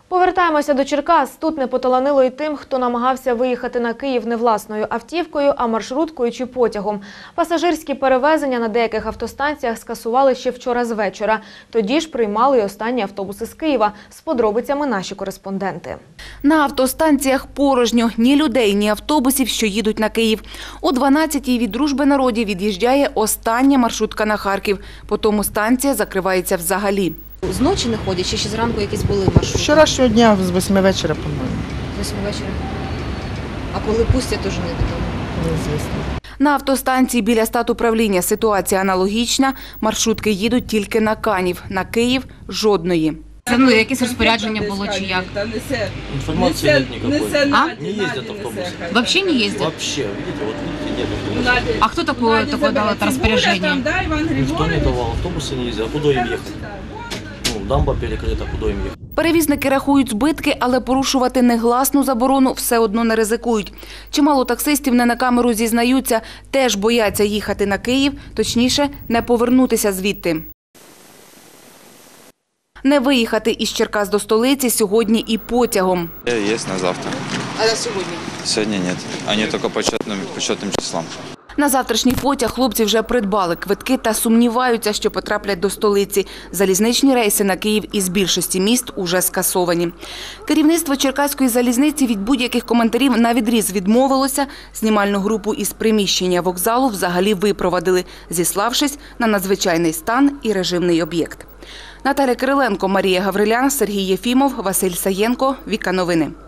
Повертаємося до Черкас. Тут не поталанило й тим, хто намагався виїхати на Київ не власною автівкою, а маршруткою чи потягом. Пасажирські перевезення на деяких автостанціях скасували ще вчора з вечора. Тоді ж приймали й останні автобуси з Києва. З подробицями наші кореспонденти. На автостанціях порожньо. Ні людей, ні автобусів, що їдуть на Київ. О 12-й від Дружби народів від'їжджає остання маршрутка на Харків. Потім станція закривається взагалі. З ночі не ходять, чи ще зранку якісь були маршрути? Вчорашнього дня з 8 вечора, по-моєму. З 8 вечора. А коли пустять, теж невідомо. Неізвісно. На автостанції біля статуправління ситуація аналогічна. Маршрутки їдуть тільки на Канів. На Київ – жодної. Ну, якесь розпорядження було чи як? Информации нет никакой. Не ездят автобусы. Вообще не ездят? Вообще, видите, вот видите, нет автобусов. А кто такое дал это распоряжение? Никто не давал, автобусы не ездят. А куда им ехать? Ну, дамба перекрыта, куда им ехать? Перевізники рахують збитки, але порушувати негласну заборону все одно не ризикують. Чимало таксистів не на камеру зізнаються, теж бояться їхати на Київ, точніше, не повернутися звідти. Не виїхати із Черкас до столиці сьогодні і потягом. Есть на завтра. А на сьогодні? Сегодня нет. Они только по четным числам. На завтрашній потяг хлопці вже придбали квитки та сумніваються, що потраплять до столиці. Залізничні рейси на Київ із більшості міст уже скасовані. Керівництво Черкаської залізниці від будь-яких коментарів навідріз відмовилося. Знімальну групу із приміщення вокзалу взагалі випровадили, зіславшись на надзвичайний стан і режимний об'єкт. Наталя Кириленко, Марія Гаврилян, Сергій Єфімов, Василь Саєнко. Віка Новини.